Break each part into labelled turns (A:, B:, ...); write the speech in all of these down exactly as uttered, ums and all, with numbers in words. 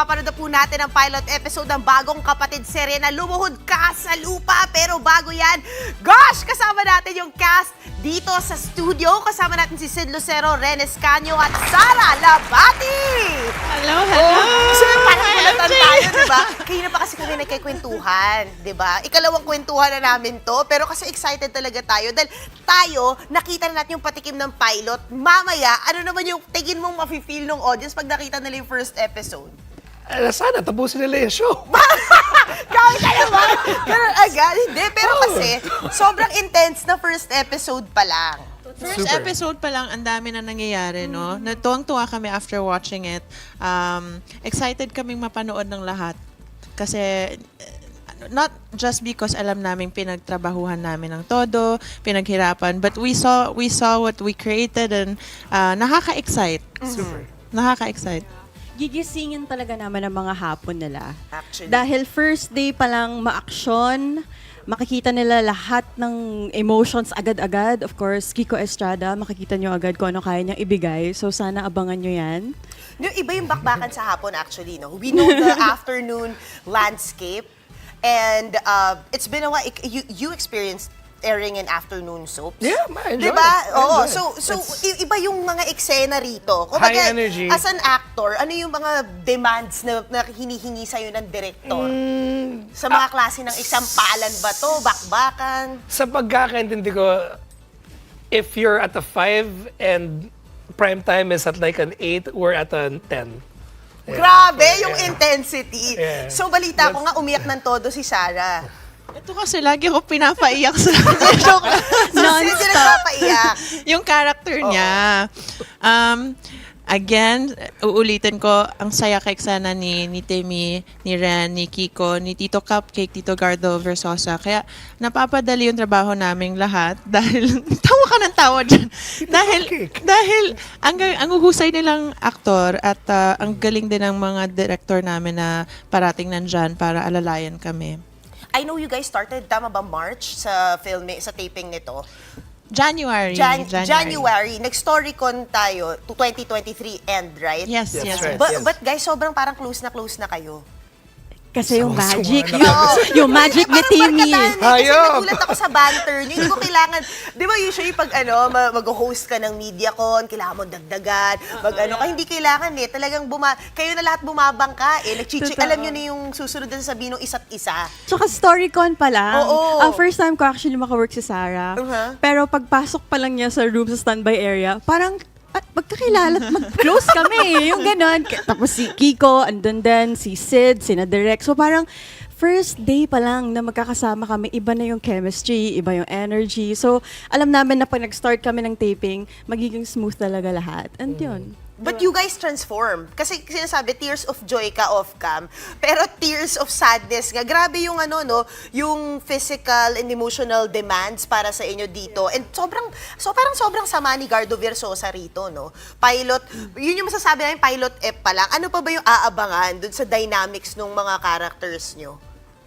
A: mapapanood na po natin ang pilot episode ng bagong kapatid serye na Lumuhod Ka sa Lupa. Pero bago yan, gosh, kasama natin yung cast dito sa studio. Kasama natin si Sid Lucero, Ren Escanio at Sara Labati.
B: Hello, hello.
A: Oh, so, parang kulatan tayo, diba? Kayo na pa kasi kami nagkikwentuhan, diba? Ikalawang kwentuhan na namin to, pero kasi excited talaga tayo dahil tayo, nakita na natin yung patikim ng pilot. Mamaya, ano naman yung tingin mong mafe-feel ng audience pag nakita nila yung first episode?
C: Eh, sana, tapusin nila yung show.
A: Kawin ka naman! Ganun agad. Hindi, pero kasi, sobrang intense na first episode pa lang.
B: First
C: Super.
B: episode pa lang, ang dami na nangyayari, no? Natuwang-tuwa kami after watching it. Um, excited kaming mapanood ng lahat. Kasi, eh, not just because alam namin pinagtrabahuhan namin ng todo, pinaghirapan, but we saw we saw what we created and uh, nakaka-excite.
C: Super.
B: Nakaka-excite.
D: Gigisingin talaga naman ang mga hapon nila.
A: Actually.
D: Dahil first day pa lang ma-action, makikita nila lahat ng emotions agad-agad. Of course, Kiko Estrada, makikita nyo agad kung ano kaya niyang ibigay. So sana abangan nyo yan.
A: Yung iba yung bakbakan sa hapon actually, no? We know the afternoon landscape and uh, it's been a while. You, you experienced airing in afternoon soaps.
C: Yeah, I enjoy
A: diba?
C: it. I
A: Oo.
C: enjoy
A: So,
C: it.
A: so
C: It's-
A: i- iba yung mga eksena rito. Kung
C: High
A: baga,
C: energy.
A: as an actor, ano yung mga demands na, na hinihingi sa'yo ng director?
C: Mm,
A: Sa mga klase ng isampalan ba to? Bakbakan?
C: sa pagkakaintindi ko, if you're at a five and prime time is at like an eight, we're at a ten. Yeah.
A: Grabe yung
C: Yeah.
A: intensity.
C: Yeah.
A: So, balita ko nga, umiyak ng todo si Sarah.
B: Ito kasi lagi ako pinapaiyak sa joke lang.
A: So, sino yung nagpapaiyak?
B: Yung character niya. Um, again, uulitin ko, ang saya kay sana ni, ni Timmy, ni Ren, ni Kiko, ni Tito Cupcake, Tito Gardo Versosa. Kaya napapadali yung trabaho naming lahat dahil, tawa ka ng tawa dyan. dahil,
C: Cupcake.
B: dahil ang, ang uhusay nilang aktor at uh, ang galing din ng mga director namin na parating nandyan para alalayan kami.
A: I know you guys started, tama ba, March sa filming, sa taping nito?
B: January.
A: Jan- January. Nag-storycon tayo to twenty twenty-three end, right?
B: Yes,
C: That's
B: yes.
C: right.
B: yes.
A: But,
C: Yes.
A: but guys, sobrang parang close na close na kayo.
D: Kasi yung
C: Sama-sama
D: magic,
C: na
D: yung,
C: kami.
D: yung magic ni
A: Parang
D: Timmy.
A: barkadahan eh, Kasi
C: Hayop!
A: nagulat ako sa banter niyo. Hindi ko kailangan, di ba usually pag ano, ma- mag-host ka ng MediaCon, kailangan mo dagdagan, mag ano ka, hindi kailangan eh. Talagang buma, kayo na lahat bumabangka eh. Nagchichi,
D: Totoo.
A: alam niyo na yung susunod na sabihin ng isa't isa.
D: Tsaka StoryCon pa lang.
A: Oo.
D: Ang first time ko actually makawork si Sarah.
A: Uh-huh.
D: Pero pagpasok pa lang niya sa room sa standby area, parang at magkakilala at mag-close kami. Yung ganon. K- Tapos si Kiko, andun din, si Sid, si Direk. So parang first day pa lang na magkakasama kami, iba na yung chemistry, iba yung energy. So alam namin na pag nag-start kami ng taping, magiging smooth talaga lahat. And yun.
A: But you guys transform. Kasi sinasabi, tears of joy ka off-cam. Pero tears of sadness nga. Grabe yung ano, no? Yung physical and emotional demands para sa inyo dito. And sobrang, so parang sobrang sama ni Gardo Versosa rito, no? Pilot, yun yung masasabi namin, pilot F pa lang. Ano pa ba yung aabangan dun sa dynamics ng mga characters nyo?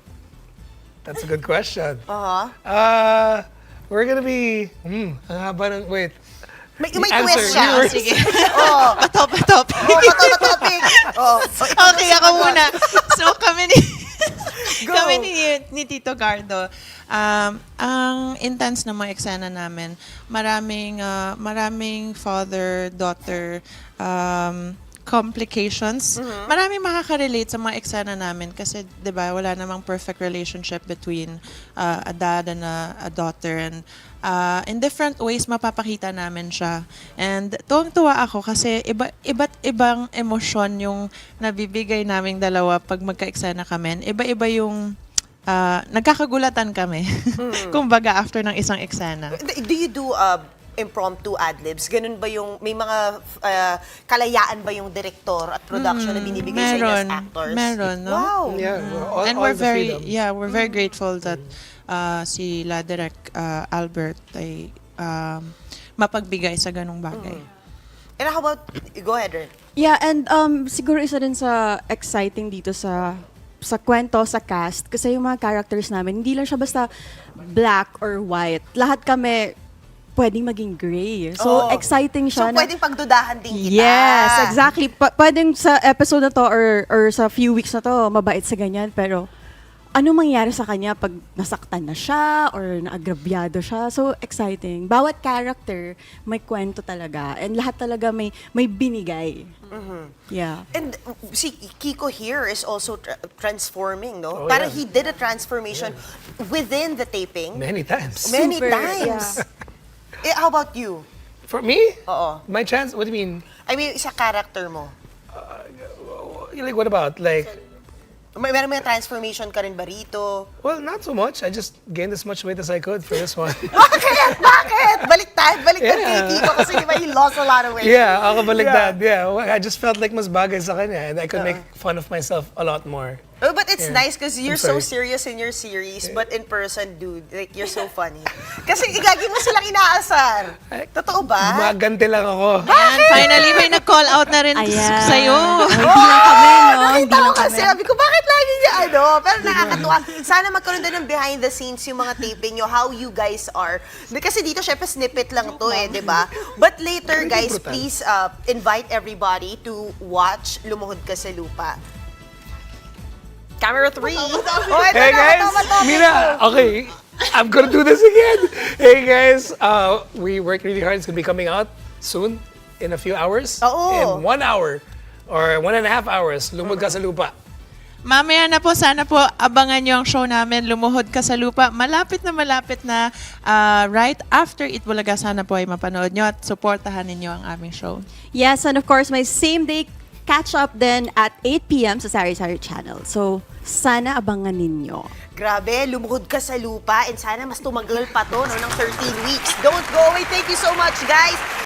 C: That's a good question.
A: Uh-huh.
C: Uh, we're gonna be, hmm, ang haba ng, wait.
A: May,
C: The
A: may
C: answer,
A: twist siya.
C: viewers.
B: Sige.
A: Oo.
B: Patop, patop.
A: Oh, pato na topic. Oh, so ikaw
B: Okay,
A: na
B: ako
A: sumagot.
B: muna. So, kami ni,
A: Go.
B: kami ni, ni Tito Gardo, um, ang intense ng mga eksena namin, maraming, uh, maraming father-daughter um, complications. Maraming makaka-relate sa mga eksena namin kasi, di ba, wala namang perfect relationship between uh, a dad and a, a daughter. And uh, in different ways, mapapakita namin siya. And tuwang-tuwa ako kasi iba, iba't ibang emosyon yung nabibigay naming dalawa pag magka-eksena kami. Iba-iba yung uh, nagkakagulatan kami. Kumbaga, after ng isang eksena.
A: Do you do uh, impromptu ad-libs? Ganun ba yung, may mga uh, kalayaan ba yung director at production na binibigay sa inyo as
B: meron,
A: actors?
B: meron, no?
A: Wow!
C: Yeah, we're all,
B: And
C: all
B: we're
C: the
B: very,
C: freedom.
B: yeah, we're very grateful that uh, si La Direk uh, Albert ay um, mapagbigay sa ganong bagay.
A: And how about, go ahead, Ren.
D: Yeah, and um, siguro isa din sa exciting dito sa sa kwento, sa cast, kasi yung mga characters namin, hindi lang siya basta black or white. Lahat kami pwedeng maging gray. So,
A: Oo.
D: exciting
A: So,
D: siya. na-
A: pwedeng pagdudahan din kita.
D: Yes, exactly. Pa- pwedeng sa episode na to or, or sa few weeks na to, mabait sa ganyan. Pero, ano mangyari sa kanya pag nasaktan na siya or naagrabyado siya? So, exciting. Bawat character, may kwento talaga. And lahat talaga may, may binigay. Yeah.
A: And uh, si Kiko here is also tra- transforming, no?
C: Oh,
A: Parang
C: yeah.
A: he did a transformation within the taping.
C: Many times.
A: Many
D: Super,
A: times. Eh, how about you?
C: For me?
A: Oo.
C: My chance? What do you mean?
A: I mean, sa character mo.
C: Like, what about? Like,
A: May, meron may transformation ka rin ba rito?
C: well, not so much. I just gained as much weight as I could for this one.
A: Bakit? Bakit? Baliktad? Baliktad kay
C: Yeah.
A: Kiko kasi di ba he lost a lot of weight.
C: Yeah, ako balik that. Yeah, well, I just felt like mas bagay sa kanya and I could make fun of myself a lot more.
A: Oh, but it's
C: Yeah.
A: nice because you're
C: I'm
A: so
C: sorry.
A: serious in your series, but in person, dude, like, you're so funny. Kasi igagi mo silang inaasar. Totoo ba?
C: Maganti lang ako.
B: Ayan, finally may nag-call out na rin
D: Ayan.
B: sa'yo.
D: Oh, hindi lang kami, no? Hindi
A: Nakita
D: lang
A: ko
D: kami.
A: kasi, sabi ko, bakit lagi niya ano? Pero nakakatuwa. Sana magkaroon din ng behind the scenes yung mga taping nyo, how you guys are. Di- Kasi dito, syempre, snippet lang to eh, di ba? But later, guys,
C: brutal.
A: please uh, invite everybody to watch Lumuhod Ka sa Lupa. Camera three. Oh, ito
C: Hey
A: na,
C: guys,
A: ito, ito, ito.
C: Mina, okay, I'm gonna do this again. Hey guys, uh, we worked really hard. It's gonna be coming out soon, in a few hours.
A: Oo.
C: In one hour, or one and a half hours, Lumod Ka sa Lupa.
B: Mamaya na po, sana po abangan nyo ang show namin, Lumuhod Ka sa Lupa. Malapit na malapit na ah, right after Itbulaga, sana po ay mapanood nyo at supportahan ninyo ang aming show.
D: Yes, and of course, my same day catch-up then at eight p.m. sa Sari Sari Channel. So, sana abangan ninyo.
A: Grabe, lumuhod ka sa lupa and sana mas tumagal pa to no, ng thirteen weeks. Don't go away. Thank you so much, guys.